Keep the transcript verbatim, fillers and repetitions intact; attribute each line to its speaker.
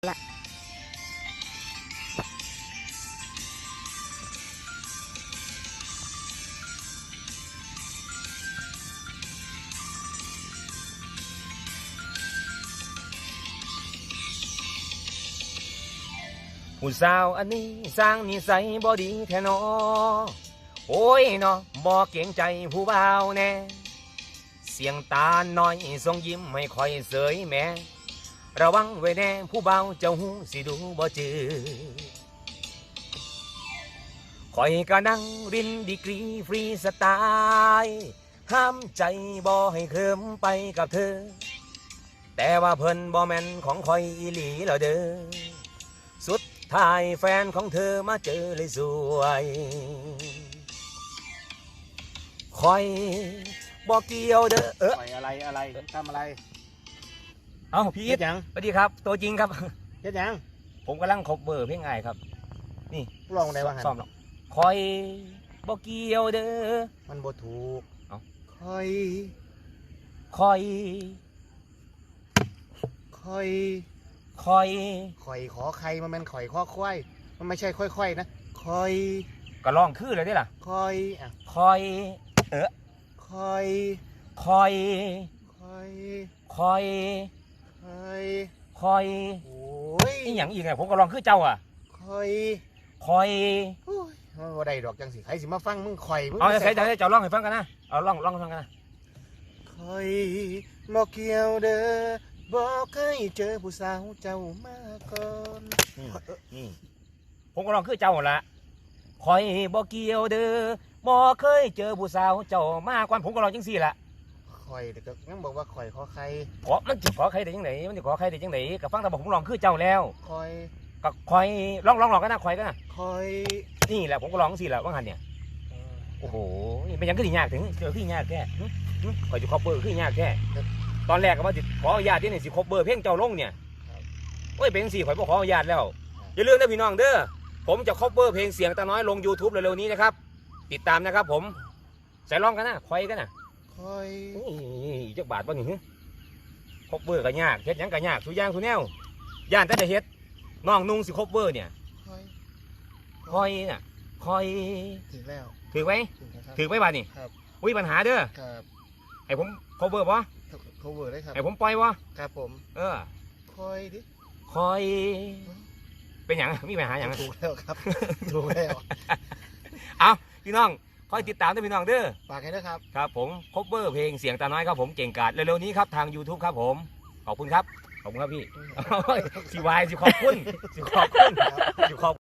Speaker 1: ละ
Speaker 2: ผู้สาวอันนี้สร้างนิสัยบ่ดีแท้นอโอ้ยนอบ่เก่งใจผู้บ่าวแน่เสียงตาน้อยทรงยิ้มให้คอยเสยแม่ระวังไว้แน่ผู้บ่าวเจ้าหูสิดูบ่จือคอยก็นั่งรินดีกรีฟรีสไตล์ห้ามใจบ่ให้เคลิมไปกับเธอแต่ว่าเพิ่นบ่แม่นของคอยอีหลีแล้วเด้อสุดท้ายแฟนของเธอมาเจอเลยสวยคอยบอกเกี่ยวเด้อเออ
Speaker 3: ปล่อยอะไรอะไรทำอะไร
Speaker 2: เอ้าพี่
Speaker 3: เฮ็ดหยัง
Speaker 2: สวัสดีครับตัวจริงครับ
Speaker 3: เฮ็ดหยัง
Speaker 2: ผมกำลังคบเบอร์เพลงไงครับนี่
Speaker 3: ลองได้ว่าหัน
Speaker 2: ซ้อมหรอกคอยบอกเกี่ยวเด้อ
Speaker 3: มันบ่ถูก
Speaker 2: เอ้า
Speaker 3: ค่อย
Speaker 2: คอย
Speaker 3: ค่อย
Speaker 2: คอย
Speaker 3: ข่อยขอใครมันเป็นข่อยข้อควายมันไม่ใช่ค่อยๆนะค่อย
Speaker 2: ก็ลองคือเลยได้ล่ะ
Speaker 3: ค่อยอ่ะ
Speaker 2: คอยเออ
Speaker 3: ค่อย
Speaker 2: คอย
Speaker 3: ค่อย
Speaker 2: คอย
Speaker 3: ค่อย
Speaker 2: คอย
Speaker 3: โอ้ย
Speaker 2: นี่อย่างอีกไงผมก็ลองคือเจ้าอ่ะ
Speaker 3: ค่อย
Speaker 2: คอย
Speaker 3: โอ้ยมันบ่ได้ดอกจังสิใครสิมาฟังมึงข่อยมึง
Speaker 2: เอา
Speaker 3: ไม่
Speaker 2: ใส่ใจเจ้าลองให้ฟังกันนะเอาลองลองให้ฟังกันนะ
Speaker 3: ค่อยบ่เกี่ยวเด้อบ่เคยเจอผู้สาวเจ้ามาก่อน
Speaker 2: นี่นี่ผมก็ลองคือเจ้าหั่นละคอยบ่เกี่ยวเด้อบ่เคยเจอผู้สาวเจ้ามาก่อนผมก็ลองจังซี่ล่ะ
Speaker 3: ข่อยแต่ก็ยังบอกว่าข่อยขอใคร
Speaker 2: ขอมันสิขอใครได้จังไดมันสิขอใครได้จังไดก็ฟังแต่บอกผมลองคือเจ้าแล้ว
Speaker 3: ข่อย
Speaker 2: ก็คอยลองลองลองกันนะคอยกันนะ
Speaker 3: ข่อย
Speaker 2: นี่แหละผมก็ลองจังซี่แหละว่างั้นเนี่ยโอ้โหนี่เป็นหยังคือสิยากถึงเจอคือยากแท้หึหึข่อยสิครอบเบอร์คือยากแท้ตอนแรกก็ว่าสิขออนุญาตที่นี่สิครอบเบอร์เพลงเจ้าลงเนี่ยโอ้ยเป็นจังซี่ข่อยบ่ขออนุญาตแล้วอย่าลืมนะพี่น้องเด้อผมจะครอบเบอร์เพลงเสียงตาน้อยลง YouTube เร็วๆนี้นะครับติดตามนะครับผมใส่ร้องกันนะคอยกันนะ
Speaker 3: ข่อย
Speaker 2: นี่จักบาทบ่นี่ฮึครบเบอร์ก็ยากเฮ็ดหยังก็ยากทุกอย่างทุกแนวย่านแต่จะเฮ็ดน้องนุ่งสิครบเบอร์เนี่ย
Speaker 3: ข่อย
Speaker 2: คอยน่ะคอย
Speaker 3: ถึงแล้ว
Speaker 2: ถือไว้
Speaker 3: ถึงแล้วครับ
Speaker 2: ถือไว้บาดนี่
Speaker 3: ครับ
Speaker 2: อุ้ยปัญหาเด้อ
Speaker 3: ครับ
Speaker 2: ให้ผมครบเบอร์บ่
Speaker 3: โคเวอร์ได้ครับ
Speaker 2: ให้ผมปล่อยบ่
Speaker 3: ครับผม
Speaker 2: เออ
Speaker 3: ข่อยดิ
Speaker 2: คอยเป็นหยังมีปัญหาหยัง
Speaker 3: ถูกแล้วครับ ถูกแล้ว
Speaker 2: เอาพี่น้องคอยติดตามด้วยพี่น้องเด้อ
Speaker 3: ฝากให้ด้วยครับ
Speaker 2: ครับผมครบเบอร์เพลงเสียงตาน้อยครับผมเก่งกาจเร็วๆนี้ครับทาง YouTube ครับผมขอบคุณครับขอบคุณครับพี่ สิวายสิขอบคุณสิขอบคุณสิขอบ